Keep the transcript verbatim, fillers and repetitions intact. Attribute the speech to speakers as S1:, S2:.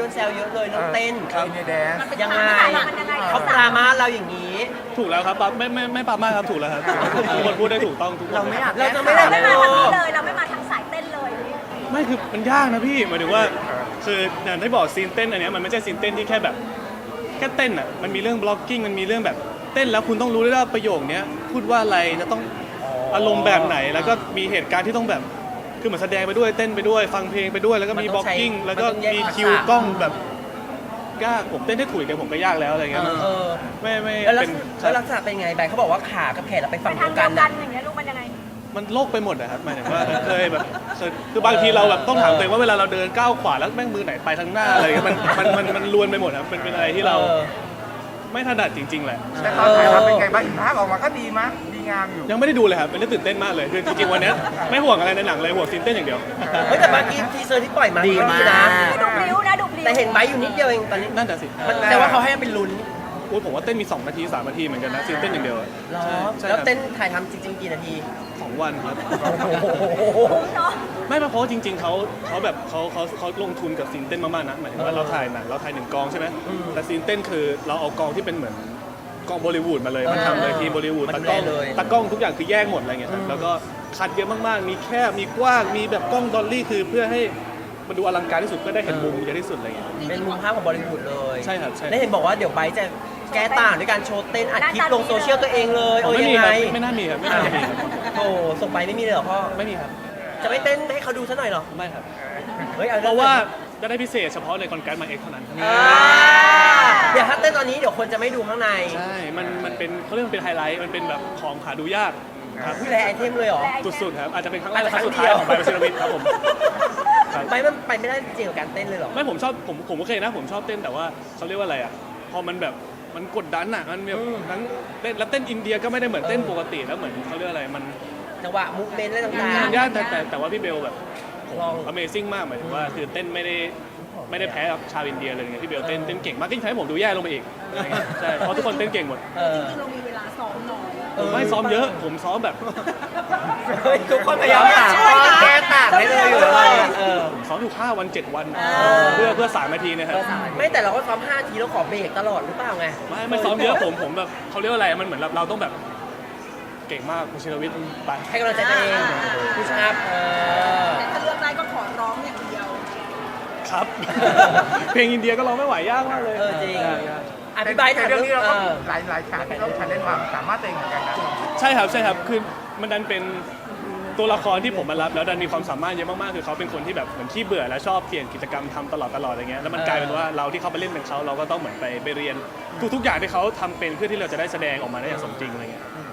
S1: นแซวเยอะเลยเรื่องเต้น
S2: ครับแดนซ์
S1: ยังไงเขาปรามาสเราอย่างนี้
S3: ถูกแล้วครับปั๊บไม่ไม่ไม่ปั๊บมากครับถูกแล้วครับทุกคนพูดได้ถูกต้องทุกคน
S1: เราไม่อยาก
S3: ลย
S1: เราจะไม่ได้
S4: ไม่มาทางนี้เลยเราไม่มาทางสายเต้นเลย
S3: ไม่คือมันยากนะพี่หมายถึงว่าคืออย่างที่บอกซีนเต้นอันเนี้ยมันไม่ใช่ซีนเต้นที่แค่แบบแค่เต้นอ่ะมันมีเรื่องบล็อกกิ้งมันมีเรื่องแบบเต้นแล้วคุณต้องรู้ด้วยว่าประโยคเนี้ยพูดว่าอะไรจะต้องอารมณ์แบบไหนแล้วก็มีเหตุการณ์ที่ต้องแบบคือเหมือนแสดงไปด้วยเต้นไปด้วยฟังเพลงไปด้วยแล้วก็มีบล็อกกิ้งแล้วก็มีคิวกล้องแบบยากผมเต้นได้ถูกเดี๋ยวผมก็ยากแล้วอะไรเงี้ย
S1: เออ
S3: ไม่ไม่
S1: แล้วลัก
S3: เป็น
S1: ษณะแล้วลักษณะเป็นไงใบเขาบอกว่าขากับแขนเราไป
S4: ไป
S1: ฝั่ง
S4: ทา
S1: เดี
S4: ง
S1: ยว
S4: เดี
S1: กั
S4: ย
S1: น
S4: วกั
S1: นะ
S4: นอย่างเงี้ยลูกมันยังไง
S3: มันโลกไปหมดนะครับหมายถึงว่าเคยแบบเคยคือบางทีเราแบบต้องถามตัวเองว่าเวลาเราเดินก้าวขวาแล้วแม่งมือไหนไปทางหน้าอะไรเงี้ยมันมันมันมันลวนไปหมดครับมันเป็นอะไรที่เรา
S1: ออ
S3: ไม่ถนัดจริงๆแหละ
S2: แต่ตอนถ่ายทำเป็นไงบ้างภาพออกมาก็ดีมั้ยดีงามอยู่
S3: ยังไม่ได้ดูเลยครับเป็นเรื่องตื่นเต้นมากเลยคือจริงๆวันเนี้ยไม่ห่วงอะไรในหนังเลยห่วงซีนเต้นอย่างเดียว
S1: เฮ้ยแต่เมื่อกี้ทีเซอร์ที่ปล่อยมา
S5: ดีมาก
S1: นะ
S4: ดูพลิ้วนะดูพลิ้ว
S1: แต่เห็นไบร์ทอยู่นิดเดียวเองตอนนี้
S3: นั่นแต่ะสิ
S1: มันแต่ว่าเขาให้เป็นลุ้น
S3: โอ้ยผมว่าเต้นมีสองนาทีสามนาทีเหมือนกันนะซีนเต้นอย่างเดียวอะ
S1: เหรอ
S3: ใช่ใช่
S1: แล้ว
S3: ครับ
S1: เต้นถ่ายทำจริงๆกี่นาที
S3: สองวันครับ
S4: เนาะ
S3: ไม่เพราะว่าจริง ๆเขาเขาแบบเขาเขาเขาลงทุนกับซีนเต้นมากๆนะหมายถึงว่าเราถ่ายหนังเราถ่ายหนึ่งกองใช่ไหม
S1: อืม
S3: แต่ซีนเต้นคือเราเอากองที่เป็นเหมือนกองบอลิวูดมาเลยมันทำเลยทีมบอลิวูด
S1: มัน
S3: ตากล้อง
S1: ดูแลเลย
S3: ตากล้องทุกอย่างคือแยกหมดอะไรเงี้ยครับแล้วก็คัดเยอะมากๆมีแคบมีกว้างมีแบบกล้องดอลลี่คือเพื่อให้มันดูอลังการที่สุดเพื่อได้เห็นมุมเยอะที่สุดอะไรเงี้ย
S1: เป็นมุมภาพของบอลิวูดเลย
S3: ใช่ครับใช่
S1: แล้วเห็นบอกว่าเดี๋ยวไบร์ทจะแก้ต่างด้วยการโชว์เต้นอัดคลิปลงโซเชียลตัวเองเลยโอ้ย
S3: ไม่
S1: ยั
S3: มี
S1: ง
S3: ค
S1: ไง
S3: รับไม่น่ามีครับไม่น่ามีครับ
S1: โอ้ส่งไปไม่มีเลยเหรอพ่อ
S3: ไม่มีครับ
S1: จะไม่เต้นให้เขาดูซะหน่อยเหรอ
S3: ไม่ครับ
S1: เฮ้ยอ
S3: เพราะว่าจะได้พิเศษเฉพาะในคอนการ์ดมาเอ็กเท่านั้น
S1: อ่าเดี๋ยวถ้าเต้นตอนนี้เดี๋ยวคนจะไม่ดูข้างใน
S3: ใช่ มัน มันเป็นเขาเรียกมันเป็นไฮไลท์ มันเป็นแบบของหาดูยากครับ
S1: ผู้แลไอเทมเลยเหรอ
S3: สุดๆครับ อาจจะเป็นครั้งแรกและค
S1: ครั้
S3: รั้ง
S1: ง
S3: สุด
S1: เดี
S3: ท้าย
S1: ยว
S3: ของไบโอซิรามิดครับผมครับ
S1: ไปมันไปไม่ได้จริงกับการเต้นเลยเหรอ
S3: ไม่ผมชอบ ผม ผมโอเคนะ ผมชอบเต้น แต่ว่าเขาเรียกว่าอะไรอ่ะ พอมันแบบ มันกดดันอ่ะ มันแบบ
S1: อืม
S3: ทั้งเต้น แล้วเต้นอินเดียก็ไม่ได้เหมือนเต้นปกติ แล้วเหมือนเขาเรียกอะไร มัน
S1: จังหวะมูฟเมนต์อะไรต่าง
S3: มันยากแต่แต่แต่ว่าพี่เบลแบบ
S1: ลอง
S3: Amazing มากหมายถึงว่าคือเต้นไม่ได้ ไม่ได้แพ้กับชาวอินเดียเลยไงพี่เบลเต้น เต้นเก่งมากยิ่งทำให้ผมดูแย่ลงไปอีกอะไรเงี้ยใช่ เพราะทุกคนเต้นเก่งหมด
S1: ๆเออ
S4: เรามีเวลาซ้อมน้อย
S3: ผมไม่ซ้อมเยอะ ผมซ้อมแบบ
S1: เฮ้ยทุกคนพยายามหาข้อแก้ต่างให้เลยอยู่เลยเออ
S3: ผมซ้อมอยู่ห้าวันเจ็ดวัน เพื่อเพื่อสามนาทีนะครับ
S1: ไม่แต่เราก็ซ้อมห้าทีแล้วขอเบรกตลอดหรือเปล่าไง
S3: ไม่ไม่ซ้อมเยอะผมผมแบบเขาเรียกว่าอะไรมันเหมือนเราต้องแบบเก่งมากคุณชินวิทย์ไป
S1: ให้กำลังใจตัวเองผู้ชาบเออ
S4: แต่ถ้าเลือกได้ก็ขอร้องอย่างเดียว
S3: ครับ เพลงอินเดียก็ร้องไม่ไหวยยากมากเลย
S1: เออจริง
S3: ยากยาก
S1: อธิบายถาม
S2: เรื่องนี้เราก็
S1: เออ
S2: หลายหลายฉากที่เราชันเล่นความสามารถตัวเองเหมือนกันนะ
S3: ใช่ครับใช่ครับคือมันดันเป็นตัวละครที่ผมมารับแล้วดันมีความสามารถเยอะมากๆคือเขาเป็นคนที่แบบเหมือนขี้เบื่อและชอบเปลี่ยนกิจกรรมทำตลอดตลอดอะไรเงี้ยแล้วมันกลายเป็นว่าเราที่เขาไปเล่นเป็นเขาเราก็ต้องเหมือนไปไปเรียนทุกๆอย่างที่เขาทำเป็นเพื่อที่เราจะได้แสดงออกมาได้อย่างสมจริงอะไรเงี้ย
S1: อืม